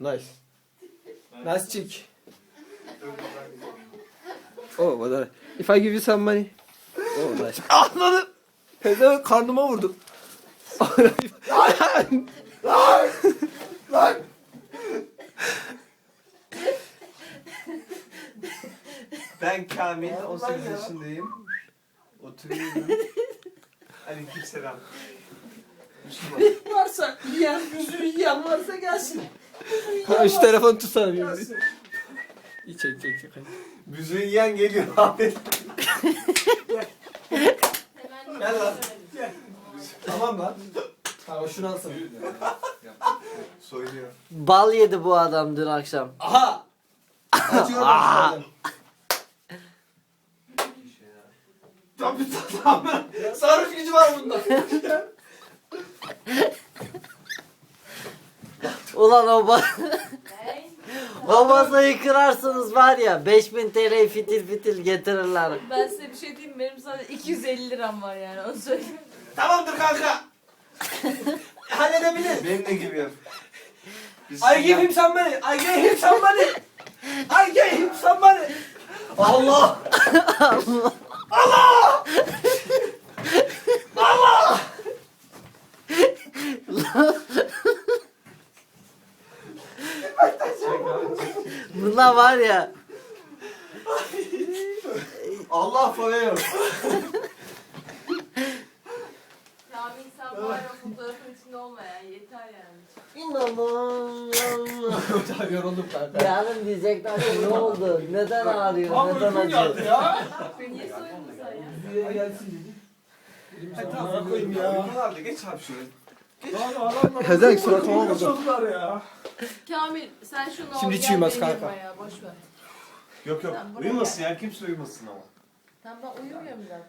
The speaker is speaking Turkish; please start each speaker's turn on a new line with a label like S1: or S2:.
S1: Nice. Nice chick. Oh, what if I give you some money? Oh, nice. Anladım. Pezevenk karnıma vurdu. Lan.
S2: Ben Kamil, 18 yaşındayım. Oturuyorum. Aleykümselam.
S3: Varsa yiyen, yüzünü yiyen varsa gelsin.
S1: Ha, şu telefonu tutsana bir. İyi çek.
S2: Büzüğü yiyen geliyor abi.
S1: Gel lan. Tamam lan. Tamam şunu alsana.
S2: Soyuyor.
S3: Bal yedi bu adam dün akşam.
S1: Aha. Açıyorum ben. Tabii tamam. Sarhoş gücü var bunda.
S3: Ulan o masayı kırarsanız var ya 5000 TL fitil fitil getirirler.
S4: Ben size bir şey diyeyim mi? Benim sadece 250 liram var yani onu söyleyeyim.
S1: Tamamdır kanka. Halledebilir.
S2: Benim de gibi yap.
S1: I give him some money. I gave him some money. I gave him some money. Allah. Allah. Allah.
S3: Buna var ya
S2: Allah forever.
S4: Kamil sen var o fotoğrafın içinde olma ya. Yeter yani.
S3: İnanılmaz.
S1: Yoruldum kanka.
S3: Yarın diyecekler ki ne oldu? Neden ağrıyor? Neden acıyor?
S1: ya.
S4: Niye soyundun sen ya?
S1: Buraya gelsin dedi.
S2: Tamam koyayım ya. Uygun abi geç abi şuraya.
S1: Pezevenk suratıma vurdu.
S4: Kamil sen şunu al.
S1: Şimdi hiç
S4: gel
S1: uyumaz
S4: beni
S1: kanka.
S4: yapma ya, boş ver.
S2: Yok
S4: Sen buraya
S2: uyumasın ya kimse uyumasın ama.
S4: Tamam ben uyumuyorum zaten.